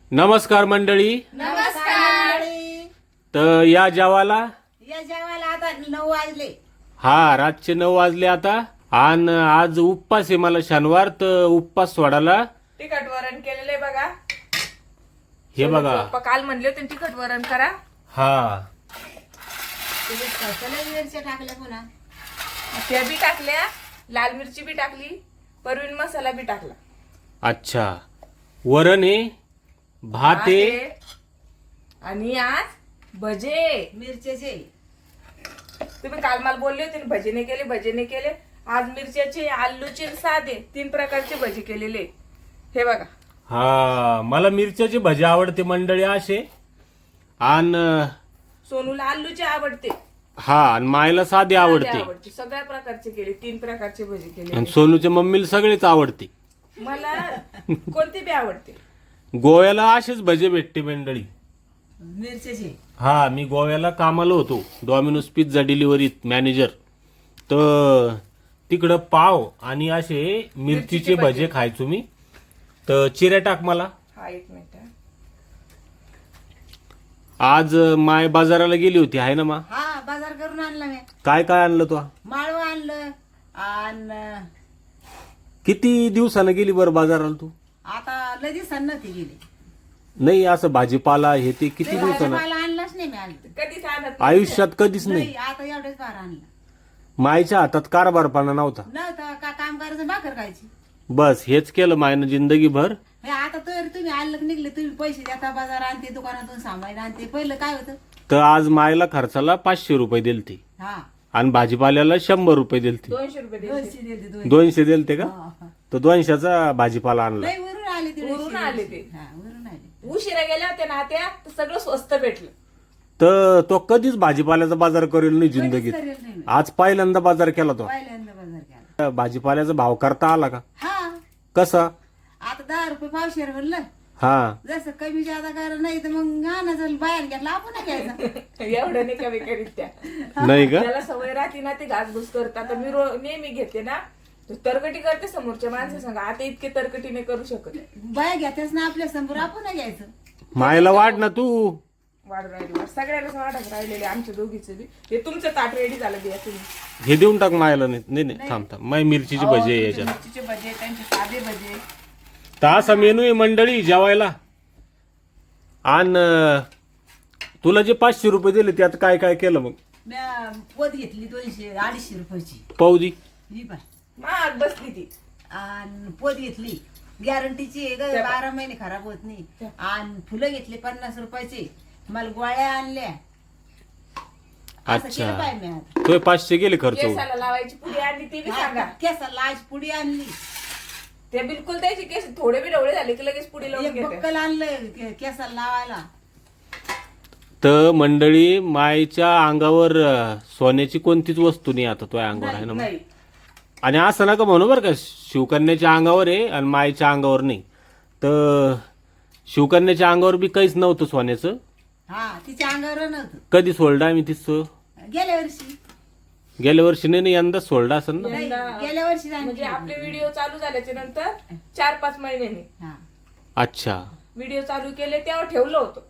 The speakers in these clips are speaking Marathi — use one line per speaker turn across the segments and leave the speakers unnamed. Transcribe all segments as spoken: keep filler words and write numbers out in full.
नमस्कार मंडळी.
नमस्कार.
तर या जेवाला
या जेवायला आता नऊ वाजले.
हा रातचे नऊ वाजले आता. आणि आज उपवास आहे मला शनिवार, तर उपवास सोडायला
तिखट वरण केलेले बघा.
हे बघा.
पप्पा काल म्हणले होते ना तिखट वरण करा.
हा
त्याच्यात कसल्या मिरच्या टाकल्या पुन्हा.
त्या बी टाकल्या, लाल मिरची बी टाकली, परवीन मसाला बी टाकला.
अच्छा. वरण आहे, भात आहे,
आणि आज भजे.
मिरच्याचे
तुम्ही काल मला बोलले होते ना भजे केले भजे केले. आज मिरच्याचे, आलूचे, साधे तीन प्रकारचे भजे केलेले. हे बघा.
हा मला मिरच्याची भजी आवडते मंडळी असे. आणि
सोनूला आलूचे आवडते,
हा आणि मायला साधी आवडते.
आवडते. सगळ्या प्रकारचे केले, तीन प्रकारचे भजे केले.
आणि सोनूच्या मम्मीला सगळेच आवडते.
मला कोणती बी आवडते.
गोव्याला असेच भजे भेटते मंडळी.
मिरच्याचे
हा मी गोव्याला कामाला होतो, डॉमिनोज पिझ्झा डिलिव्हरीत मॅनेजर. तर तिकडं पाव आणि असे मिरचीचे भजे खायचो मी. तर चिऱ्या टाक मला.
हा एक मिनिट.
आज माय बाजाराला गेली होती आहे ना मा.
हा बाजार करून आणला मी.
काय काय आणलं तू?
माळवं आणलं. आणि
किती दिवसानं गेली बरं बाजाराला तू?
आता लय दिवसांना ती गेली.
नाही असं भाजीपाला हे ते किती
लय
दिवसानं?
भाजीपाला आणलाच नाही मी आज.
कधीच आणत नाही.
आयुष्यात कधीच नाही.
नाही आता एवढेच बार आणला.
मायच्या हातात कारभारपणा नव्हता.
नव्हता का काम करायचं भाकर खायची.
बस हेच केलं मायनं जिंदगीभर.
हे आता तर तुम्ही आणलं निघले, तुम्ही पैसे देता, बाजार आणते, दुकानातून सामान आणते. पहिलं काय होतं.
तर आज मायला खर्चाला पाचशे रुपये दिलते
हा
आणि भाजीपाल्याला शंभर रुपये दिलते.
दोनशे रुपये द्यायचे.
दोनशे दिले दोनशे.
दोनशे दिलते का?
हा, हा.
तर दोनशेचा भाजीपाला आणला.
लय वरून आले ते.
वरून आले ते.
हा वरून आले.
उशिरा गेल्या होत्या ना त्या, तर सगळं स्वस्त भेटलं.
तर तो कधीच भाजीपाल्याचा बाजार करेल नाही जिंदगीत.
करेल नाही मी.
आज पहिल्यांदा बाजार केला तो.
पहिल्यांदा बाजार केला.
भाजीपाल्याचा भाव करता आला का?
हा
कसा?
आता दहा रुपये पावशेर म्हणलं.
हा
जसं कमी जादा करा नाही तर मग आणायचं बाहेर घेतला आपण घ्यायचा.
एवढं नाही कमी करीत त्या.
नाही का?
त्याला सवय राहते ना ते घासघूस करतात. आता मी रो- नेहमी घेते ना, तर तरकटी करते समोरच्या माणसं सांगा. आता इतके तरकटी नाही करू शकत.
बाया घेतेच ना आपल्या समोर, आपण घ्यायचं.
मायला वाढ ना तू.
वाढ राहिली वाढ. सगळ्यालाच वाढत राहिलेले आमच्या दोघीचं बी. हे तुमचं ताट रेडी झालं बिया तुम्ही.
हे देऊन टाक मायला. नाही नाही नाही, थांब थांब. माय मिरचीची
अहो,
भजी आहे
तुमचे
याच्यात.
मिरचीचे भजे, त्यांचे साधे भजे.
तर असा मेनू आहे मंडळी जेवायला. आणि तुला जे पाचशे रुपये दिले त्यात काय काय केलं मग?
म्या पोत घेतली दोनशे अडीचशे रुपयाची.
पाऊदी.
ही पाय.
महाग बसली ती.
आणि पोत घेतली गॅरंटीची आहे ग, बारा महिने खराब होत नाही. आणि फुलं घेतली पन्नास रुपयाची. मला गोळ्या आणल्या. असं
अच्छा.
केलं पाय मी आता.
तो पाचशे गेले खर्च होऊन.
केसाला लावायची पुडी आणली ती बी सांगा.
केसाला आज पुडी आणली.
ते बिलकुल त्याची केस थोडे बी डवळे झाले की लगेच पुडी लावून
एक
घेते.
बक्कल आणलं के- केसाला लावायला.
तर मंडळी मायच्या अंगावर अं, सोन्याची कोणतीच वस्तू नाही आता तो अंगावर आहे ना.
नाही
आणि असं नका म्हणू बरं का, शिवकन्याच्या अंगावर आहे आणि मायच्या अंगावर नाही. तर शिवकन्याच्या अंगावर बी काहीच नव्हतं सोन्याचं.
हा तिच्या अंगावर नव्हतं
कधी सोडलं आम्ही तिचं?
गेल्या वर्षी.
गेल्या वर्षी नाही ना, यंदा सोडलं असेल ना.
नाही,
यंदा-
गेल्या वर्षी आणली.
म्हणजे आपले व्हिडिओ चालू झाल्याच्या नंतर चार पाच महिन्यांनी
हा.
अच्छा.
व्हिडिओ चालू केले तेव्हा ठेवलं होतं.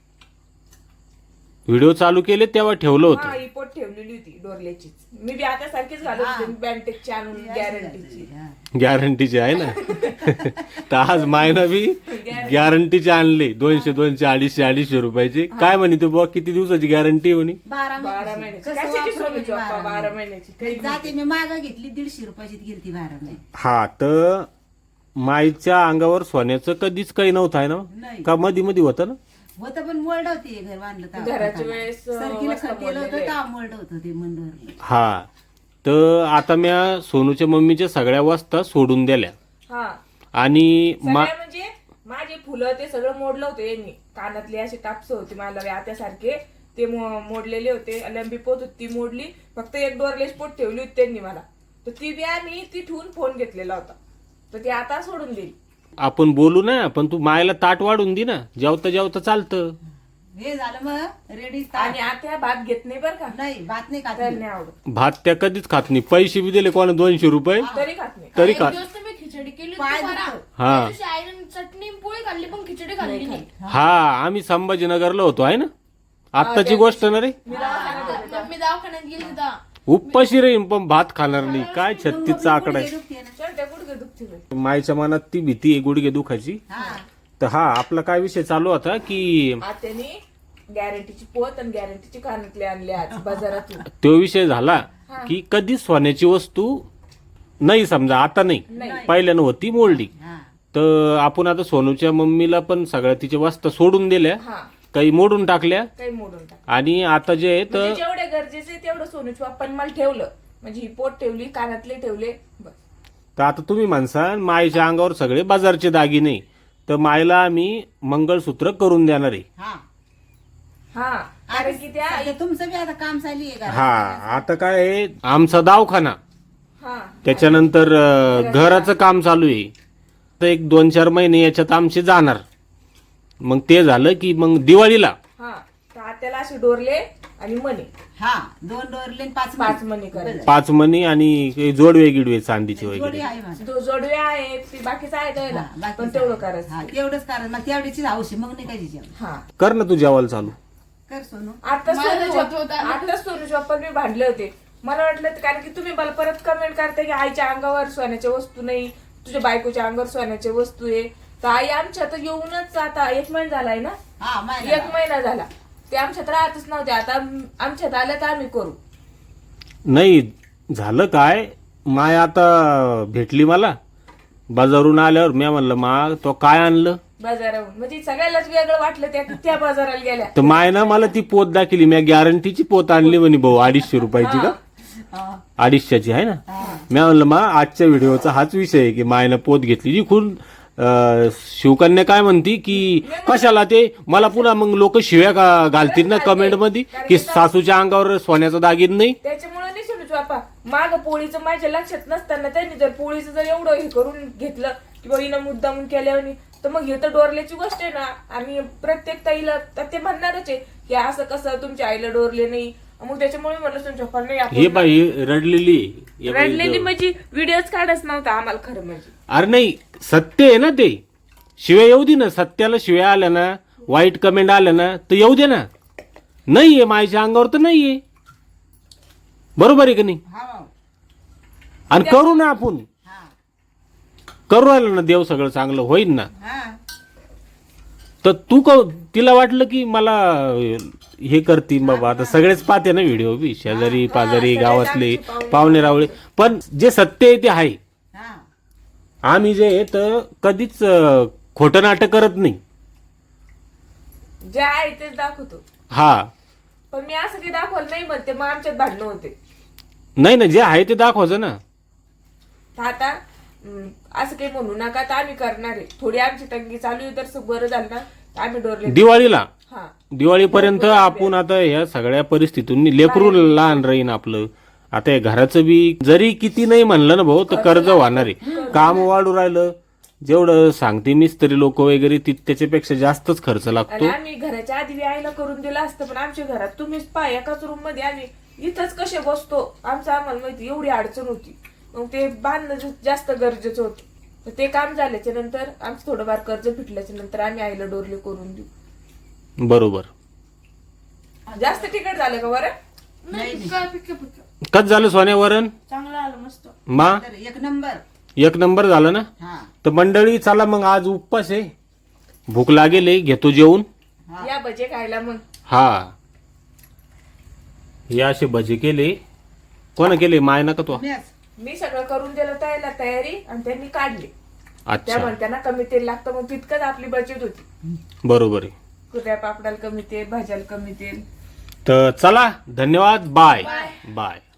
व्हिडिओ चालू केले तेव्हा ठेवलं
हा
होतं.
ही पोट ठेवलेली होती डोरल्याचीच. मी बी आता सारखीच घालत होते बँटेकची आणून गॅरंटीची.
हा.
गॅरंटीचे आहे ना. तर आज मायना बी गॅरंटीचे आणले दोनशे दोनशे अडीचशे अडीचशे रुपयाचे. काय म्हणे तू बुवा किती दिवसाची गॅरंटी म्हणे?
बारा
बारा
महिन्याची.
महिन्याची.
कसं
कशाची
वापरून
सोन्याची
घेतली
बाप्पा,
बारा
बारा
महिन्याची.
महिन्याची.
जाते मी मागा घेतली दीडशे रुपयाची गेलती बारा महिने.
हा तर माईच्या अंगावर सोन्याचं कधीच काही नव्हतं आहे ना
नाही
का? मध्ये मध्ये होतं ना.
होतं पण मोल्ड होती घर बांधलं तेव्हा.
घराच्या वेळेस, अं,
सरकीला
मस्त
खड्डेलं होतं
मोडलेलं
तेव्हा मोल्ड होतं ते मंडवर.
हा तर आता म्या सोनूच्या मम्मीच्या सगळ्या वस्ता सोडून दिल्या.
हा
आणि मा
सगळ्या म्हणजे माझे फुलं ते सगळं मोडलं होतं यांनी. कानातले असे टापस होते मला आत्यासारखे, ते मो- मोडलेले होते. लंबी पोत होती ती मोडली. फक्त एक डोरलेस पोट ठेवली होती त्यांनी मला. तर ती बी आम्ही ती ठेवून फोन घेतलेला होता. तर ती आता सोडून दिली.
आपण बोलू ना, पण तू मायला ताट वाढून दे ना. जेवता जेवता चालतं.
हे झालं मग रेडी.
आणि आता भात घेत नाही बरं का.
नाही भात नाही
त्याला
खात.
नाही आवडत.
भात त्या कधीच खात नाही. पैसे बी दिले कोणा दोनशे रुपये
तरी खात नाही.
तरी खात.
दिवस तुम्ही खिचडी खिचडी केली
पाय
होती बरा.
दुखतो.
हा.
त्या दिवशी आईने चटणी आणि पोळी खाल्ली पण खिचडी खाल्ली नाही.
हा आम्ही संभाजीनगरला होतो आहे ना, आत्ताची गोष्ट ना रे.
मी दवाखान्यात होते तेव्हा.
मी दवाखान्यात गेली होता.
उपाशी राहीन पण भात खाणार नाही. काय छत्तीसचा आकडा आहे.
दुखते ना.
चल, गुडघे दुखते बाई.
मायच्या मनात ती भीती आहे गुडघे दुखायची.
हा
तर हा आपला काय विषय चालू होता की
आत्याने गॅरंटीची पोत आणि गॅरंटीची कानातले आणले आज बाजारातून.
तो विषय झाला की कधी सोन्याची वस्तू नाही, समजा आता नाही, पहिल्यानं होती मोल्डी.
हा
तर आपण आता सोनूच्या मम्मीला पण सगळ्या तिच्या वस्तू सोडून दिल्या,
हा,
काही मोडून टाकल्या,
काही मोडून टाक.
आणि आता जे आहे
म्हणजे
तर
जेवढे गरजेचे तेवढं सोनूच्या बाप्पाने मला ठेवलं. म्हणजे ही पोट ठेवली, कानातले ठेवले, बस.
तर आता तुम्ही म्हणसा मायच्या अंगावर सगळे बाजारचे दागिने, तर मायला आम्ही मंगळसूत्र करून देणार आहे.
हा
हा, कारण की त्या
आता तुमचं बी आता काम चालू आहे का?
हा आता काय आहे, आमचा दवाखाना,
हा
त्याच्यानंतर अं, घराचं काम चालू आहे. तर एक दोन चार महिने याच्यात आमचे जाणार. मग ते झालं की मग दिवाळीला
हा, तर आत्याला असे डोरले आणि मणी
हा दोन डोरले आणि पाच
पाच मणी करायचे.
पाच मणी आणि काही जोडवे गिडवे चांदीचे
जोडी
वगैरे.
आहे माझं.
दो- जोडवे आहेत, ते बाकीचं आहे द्यायला,
हा, बाकीचं
पण तेवढं
आहे.
करायचं.
हा, तेवढंच कारण मग तेवढीची हौशी मग नाही काही जेवण
हा,
कर ना तू जेवायला चालू.
कर सोनू.
आता
मला
सोनूच्या
होत होतं.
आता सोनूच्या बाप्पा मी भांडले होते. मला वाटलं कारण की तुम्ही मला परत कमेंट करता की आईच्या अंगावर सोन्याच्या वस्तू नाही, तुझ्या बायकोच्या अंगावर सोन्याच्या वस्तू आहे. तर आई आमच्या तर येऊनच आता एक महिना झालाय ना,
हा माहिती
एक महिना झाला. ते आमच्यात राहतच नव्हते. आता आमच्यात आलं तर आम्ही करू.
नाही झालं काय, माय आता भेटली मला बाजारून आल्यावर. मी म्हणलं मा तो काय आणलं,
बाजाराहून. म्हणजे सगळ्यालाच वेगळं वाटलं त्या त्या बाजाराला गेल्या.
तर माय ना मला ती पोत दाखवली. मी गॅरंटीची पोत आणली म्हणे भाऊ, अडीचशे रुपयाची का,
हा.
अडीचशेची आहे ना. मी म्हणलं मा आजच्या व्हिडिओचा हाच विषय आहे की मायनं पोत घेतली. जी खून अं, शिवकन्या काय म्हणती की कशाला ते, मला पुन्हा मग लोक शिव्या का घालतील ना कमेंट मध्ये की सासूच्या अंगावर सोन्याचा दागिन नाही.
त्याच्यामुळे नाही सोनूच बापा माग पोळीचं माझ्या लक्षात नसताना त्यांनी जर पोळीचं जर एवढं हे करून घेतलं की बाई हिनं मुद्दामून केल्यावर, तर मग हे तर डोरल्याची गोष्ट आहे ना. आणि प्रत्येक ताईला तर ते म्हणणारच आहे की असं कसं तुमच्या आईला डोरले नाही. मग त्याच्यामुळे म्हणलं तुमच्या पप्पा नाही
हे
आपण
बाई रडलेली आहे. हे बाई
रडलेली
ग-
म्हणजे व्हिडिओच काढच नव्हता आम्हाला खरं म्हणजे.
अरे नाही, सत्य आहे ना ते. शिव्या येऊ दे ना, सत्याला शिव्या आल्या ना, वाईट कमेंट आल्या ना, तर येऊ दे ना. नाहीये मायच्या अंगावर तर नाहीये, बरोबर आहे का नाही.
हा
आणि करू ना आपण,
हा
करू आलं ना, देव सगळं चांगलं होईल ना.
हा
तर तू क तिला वाटलं की मला हे करती बाबा, आता सगळेच पाहते ना व्हिडिओ बी, शेजारी पाजारी गावातले पाहुणे रावळे. पण जे सत्य आहे ते आहे.
हा
आम्ही जे आहे तर कधीच अं, खोटं नाटक करत नाही.
जे आहे तेच दाखवतो.
हा
पण मी असं काही दाखवलं नाही म्हणते, मग आमच्यात भांडणं होते.
नाही ना, जे आहे ते दाखवायचं ना.
तर आता हम्म, असं काही म्हणू नका, तर आम्ही करणार आहे. थोडी आमची तंगी चालू आहे, तर बरं झालं ना, तर आम्ही डोरले.
दिवाळीला
हा,
दिवाळीपर्यंत आपण आता ह्या सगळ्या परिस्थितीतून लेकरू लहान राहीन आपलं. आता हे घराचं बी जरी किती नाही म्हणलं ना भाऊ, तर कर्ज होणार आहे. काम वाढू राहिलं, जेवढं सांगते मिस्त्री लोक वगैरे ती त्याच्यापेक्षा जास्तच खर्च
आणि
लागतो.
आम्ही घराच्या आधी व्यायला करून दिलं असतं, पण आमच्या घरात तुम्हीच पहा, एकाच रूम मध्ये आम्ही इथंच कसे बसतो, आमचं आम्हाला माहिती एवढी अडचण होती. मग ते बांधणं जा- जास्त गरजेचं होतं. तर ते काम झाल्याच्या नंतर आमचं थोडंफार कर्ज फिटल्याच्या नंतर आम्ही आईला डोरले करून देऊ.
बरोबर.
जास्त तिकट झालं का बरं?
नाही पिक्का पिक्का पिक्का
कच झालं सोन्यावरण
चांगलं आलं मस्त.
मा,
तर एक नंबर.
एक नंबर झालं ना.
हा
तर मंडळी चला मग, आज उपवास आहे, भूक लागेल आहे, घेतो जेवून.
हा.
या भजे खायला मग.
हा हे असे भजे केले. कोण केले, माय नका तो.
तुम्हीच.
मी सगळं करून दिलं त्याला तयारी, आणि त्यांनी काढली. त्या
अच्छा,
म्हणताना कमी तेल लागतं, मग तितकंच आपली बचत होती.
बरोबर आहे.
कुठल्या पापडाला कमी तेल, भाज्याला कमी तेल.
तर चला, धन्यवाद, बाय बाय.